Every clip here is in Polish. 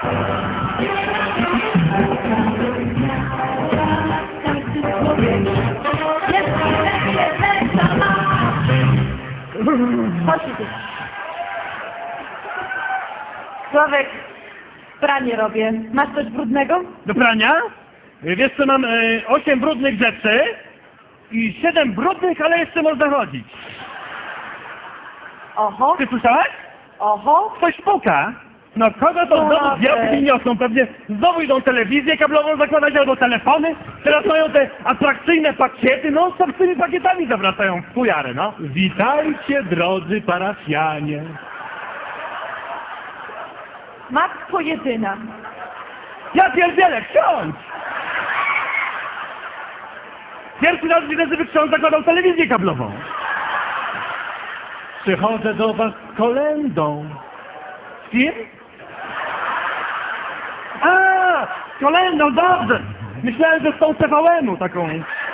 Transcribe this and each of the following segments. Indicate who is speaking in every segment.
Speaker 1: Chodź tu. Sławek, pranie robię. Masz coś brudnego?
Speaker 2: Do prania? Wiesz co, mam 8 brudnych rzeczy i 7 brudnych, ale jeszcze można chodzić.
Speaker 1: Oho,
Speaker 2: Ty słyszałaś?
Speaker 1: oho.
Speaker 2: Ktoś puka. No kogo to znowu diabły niosą? Pewnie znowu idą telewizję kablową zakładać albo telefony. Teraz mają te atrakcyjne pakiety, no co z tymi pakietami zawracają w fujarę, no. Witajcie, drodzy parafianie.
Speaker 1: Matko jedyna.
Speaker 2: Ja pierdzielę, ksiądz! Pierwszy raz widzę, żeby ksiądz zakładał telewizję kablową. Przychodzę do was z kolędą. Z kim? A, z kolędą, dobrze! Myślałem, że z tą TVN-u taką.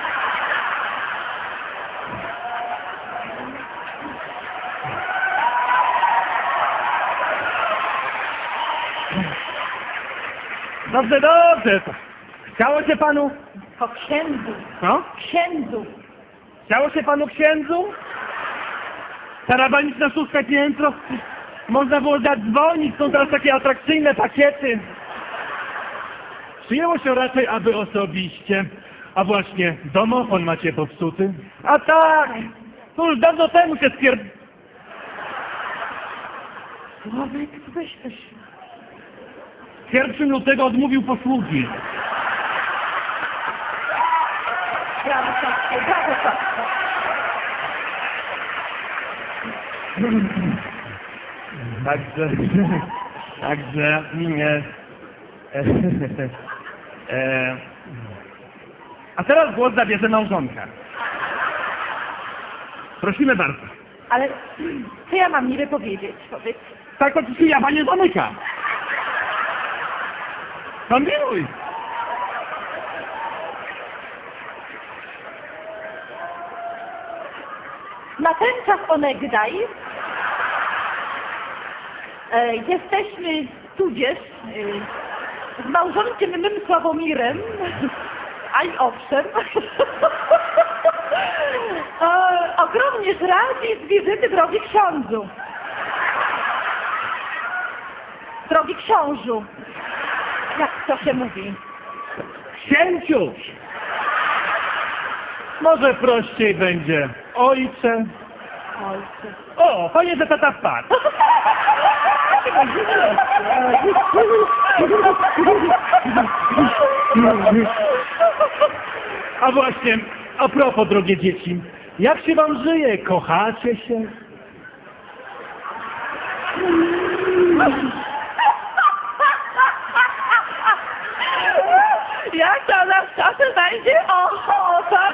Speaker 2: Dobrze, dobrze. Chciało się panu...
Speaker 1: Po księdzu.
Speaker 2: No?
Speaker 1: Księdzu.
Speaker 2: Chciało się panu księdzu? Tarabaniczna szóstka piętro. Można było zadzwonić, są teraz takie atrakcyjne pakiety. Przyjęło się raczej, aby osobiście. A właśnie, domofon macie popsuty? A tak! To już dawno temu się
Speaker 1: Sławek, weź coś.
Speaker 2: 1 lutego odmówił posługi.
Speaker 1: Brawo, Sławku, brawo, Sławku.
Speaker 2: Także, a teraz głos zabierze małżonka. Prosimy bardzo.
Speaker 1: Ale co ja mam niby powiedzieć? Powiedz.
Speaker 2: Tak to ci jawa nie zamyka. Kombinuj.
Speaker 1: Na ten czas onegdaj jesteśmy tudzież z małżonkiem mym Sławomirem, a i owszem, ogromnie radzi z wizyty drogi ksiądzu. Drogi książu, jak to się mówi?
Speaker 2: Księciu. Może prościej będzie ojcze.
Speaker 1: Ojcze.
Speaker 2: O, fajnie, że tata wpadł. A właśnie, a propos, drogie dzieci, jak się wam żyje? Kochacie się?
Speaker 1: Jak to nas czasem będzie ochota?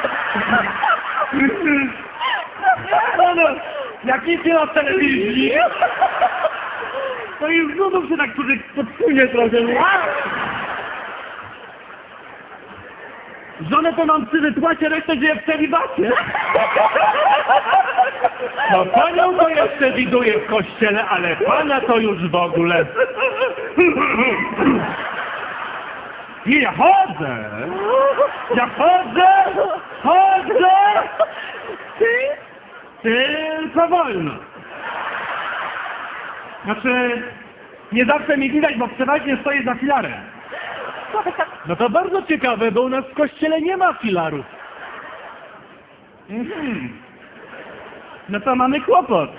Speaker 2: No, jak nic nie ma w telewizji, to już znów się tak człowiek podsunie trochę. Żonę to mam przy wypłacie, resztę żyje w celibacie. No panią to jeszcze widuję w kościele, ale pana to już w ogóle. Nie, ja chodzę! Ja chodzę! Tylko wolno. Znaczy, nie zawsze mi widać, bo przeważnie stoję za filarem. No to bardzo ciekawe, bo u nas w kościele nie ma filarów. No to mamy kłopot.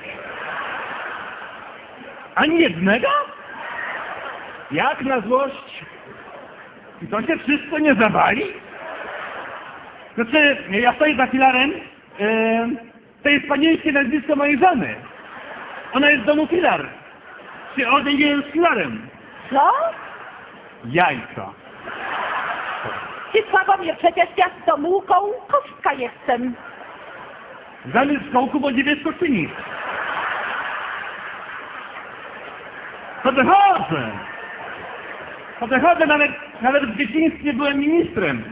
Speaker 2: Ani jednego? Jak na złość? I to się wszystko nie zawali? Znaczy, ja stoję za filarem, to jest panieńskie nazwisko mojej żony. Ona jest z domu filar. Czy on nie jest filarem?
Speaker 1: Co?
Speaker 2: Jajko.
Speaker 1: Ty Sławomir, przecież ja z Tomułką kostka jestem.
Speaker 2: Zamiast kołku, bo niebieskoszyni. Podchodzę, nawet w dzieciństwie byłem ministrem.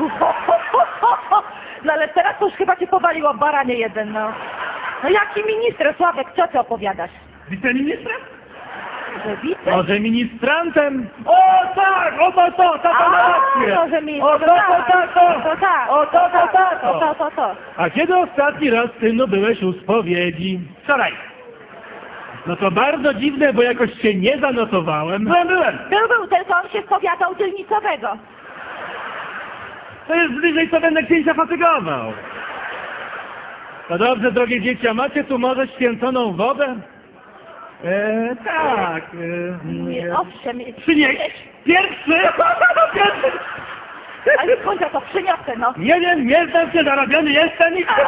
Speaker 1: No ale teraz to już chyba cię powaliło, baranie jeden, no. No jaki minister, Sławek, co ty opowiadasz?
Speaker 2: Wiceministrem?
Speaker 1: Że widzę.
Speaker 2: Może ministrantem? O tak! O to, tata ma rację!
Speaker 1: Może mi...
Speaker 2: O to, tato!
Speaker 1: To tak.
Speaker 2: O to, tato!
Speaker 1: To.
Speaker 2: A kiedy ostatni raz, synu, byłeś u spowiedzi? Wczoraj. No to bardzo dziwne, bo jakoś się nie zanotowałem. Byłem!
Speaker 1: Był, tylko on się spowiadał dzielnicowego.
Speaker 2: To jest bliżej, co będę księcia fatygował. No dobrze, drogie dzieci, a macie tu może święconą wodę? Tak.
Speaker 1: Owszem.
Speaker 2: Przynieść! Pierwszy!
Speaker 1: Ale skąd ja to przyniosę, no?
Speaker 2: Nie wiem, nie znam się, zarabiony jestem i...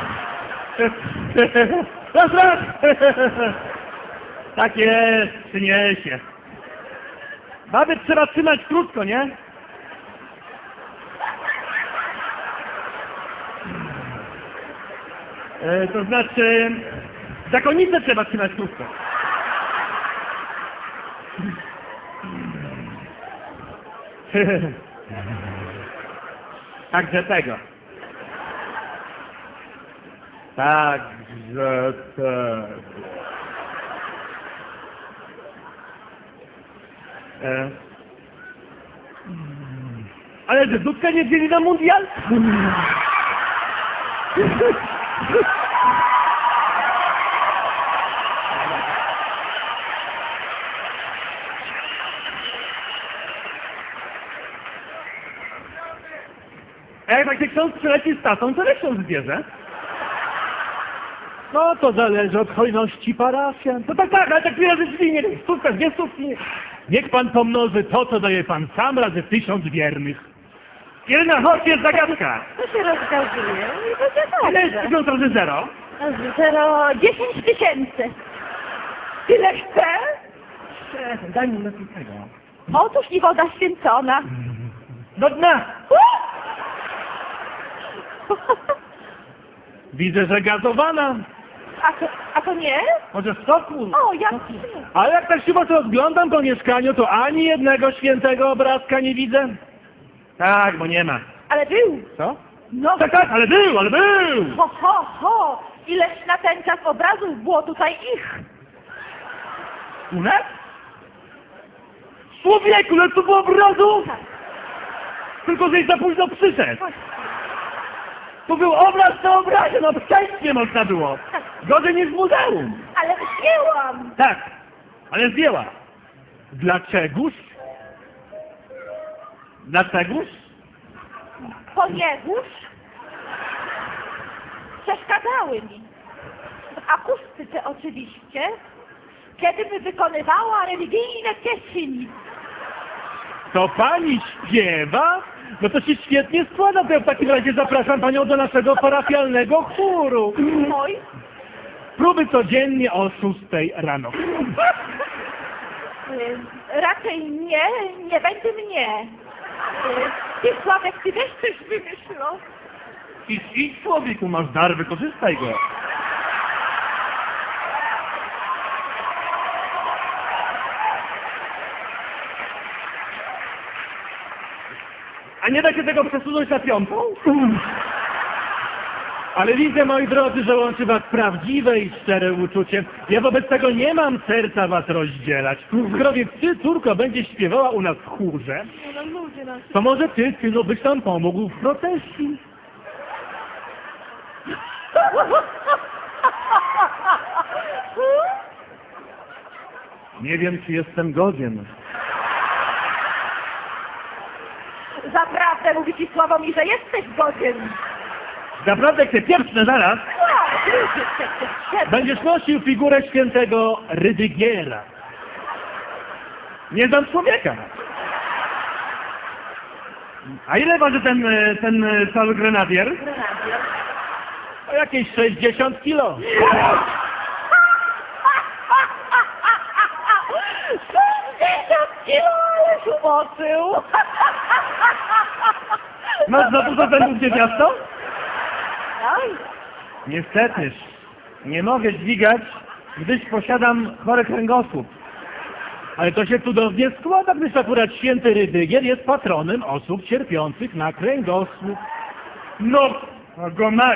Speaker 2: Raz! Tak jest, przyniesie. Baby trzeba trzymać krótko, nie? To znaczy... Zakonnicę trzeba trzymać krótko. Także tego. Także tego. Ale że Dudka nie wzięli na mundial? A jak tak ksiądz przyleci z tatą, to ksiądz zbierze? No to zależy od hojności parafian. No tak, ale tak razy drzwi, nie stówka, 2 stówki. Niech pan pomnoży to, co daje pan sam, razy 1000 wiernych. Jedna, chodź, jest zagadka.
Speaker 1: To się rozgazuje i będzie
Speaker 2: Ile jest
Speaker 1: dobrze.
Speaker 2: 1000 razy 0?
Speaker 1: 10 tysięcy. Tyle chcę?
Speaker 2: Daj mi lepiej tego.
Speaker 1: Otóż i woda święcona.
Speaker 2: Do dna! Widzę, że gazowana.
Speaker 1: A to nie?
Speaker 2: Może z soku?
Speaker 1: O, jak
Speaker 2: Ale jak tak się was rozglądam po mieszkaniu, to ani jednego świętego obrazka nie widzę. Tak, bo nie ma.
Speaker 1: Ale był.
Speaker 2: Co?
Speaker 1: No,
Speaker 2: Tak, ale był!
Speaker 1: ho. Ileż na ten czas obrazów było tutaj ich.
Speaker 2: U nas? Człowieku, ale to było obrazów! Tylko, żeś za późno przyszedł. Tu był obraz na obrazie, no przejść nie można było. Gorzej niż w muzeum.
Speaker 1: Ale zdjęłam.
Speaker 2: Tak, ale zdjęła. Dlaczegoż? Dlaczegoż?
Speaker 1: Ponieważ przeszkadzały mi. W akustyce oczywiście, kiedym wykonywała religijne pieśni.
Speaker 2: To pani śpiewa? No to się świetnie składa, to ja w takim razie zapraszam panią do naszego parafialnego chóru.
Speaker 1: Oj,
Speaker 2: Próby codziennie o 6 rano.
Speaker 1: raczej nie będzie mnie. Ty, Sławek, ty też coś wymyślał.
Speaker 2: Idź człowieku, masz dar, wykorzystaj go. A nie da się tego przesunąć na 5? Ale widzę, moi drodzy, że łączy was prawdziwe i szczere uczucie. Ja wobec tego nie mam serca was rozdzielać. Skoro więc ty, córko, będziesz śpiewała u nas w chórze,
Speaker 1: No ludzie, no.
Speaker 2: to może ty, synu, byś tam pomógł w procesji. Nie wiem, czy jestem godzien.
Speaker 1: Zaprawdę mówi ci Sławomir, że jesteś godzien.
Speaker 2: Naprawdę chcę pieprzne zaraz.
Speaker 1: No,
Speaker 2: Będziesz nosił figurę świętego Rydygiera. Nie znam człowieka. A ile waży ten cały grenadier? O jakieś 60 kilo.
Speaker 1: 60 kilo, ależ umoczył.
Speaker 2: Masz za dużo zębów, niewiasto?
Speaker 1: Oj,
Speaker 2: Niestety, nie mogę dźwigać, gdyż posiadam chory kręgosłup. Ale to się cudownie składa, gdyż akurat święty Rydygier jest patronem osób cierpiących na kręgosłup. No, go mać!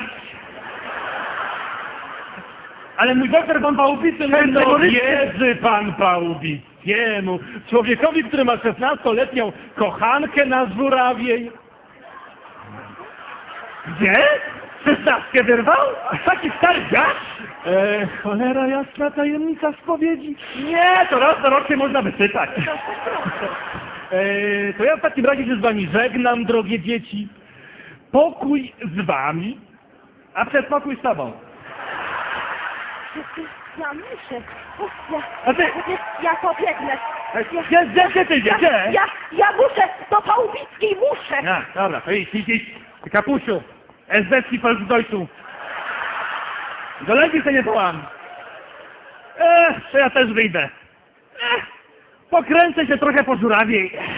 Speaker 2: Ale mój doktor pan Pałubicy... No wierzy pan Pałubicy! takiemu człowiekowi, który ma 16-letnią kochankę na żurawiej. Gdzie? 16 wyrwał? Taki stary dziad? Cholera jasna, tajemnica spowiedzi. Nie, to raz na rok się można wysypać. To ja w takim razie się z wami żegnam, drogie dzieci. Pokój z wami, a przedpokój z tobą.
Speaker 1: Ja muszę.
Speaker 2: A ty-
Speaker 1: Ja pobiegnę.
Speaker 2: Gdzie ty idziesz? Gdzie?
Speaker 1: Ja muszę. Do Pałubickiej muszę.
Speaker 2: Ja, dobra, to idź. Kapusiu, esbecki Volksdeutschu. Do lepiej się nie połam. To ja też wyjdę. Pokręcę się trochę po żurawiej.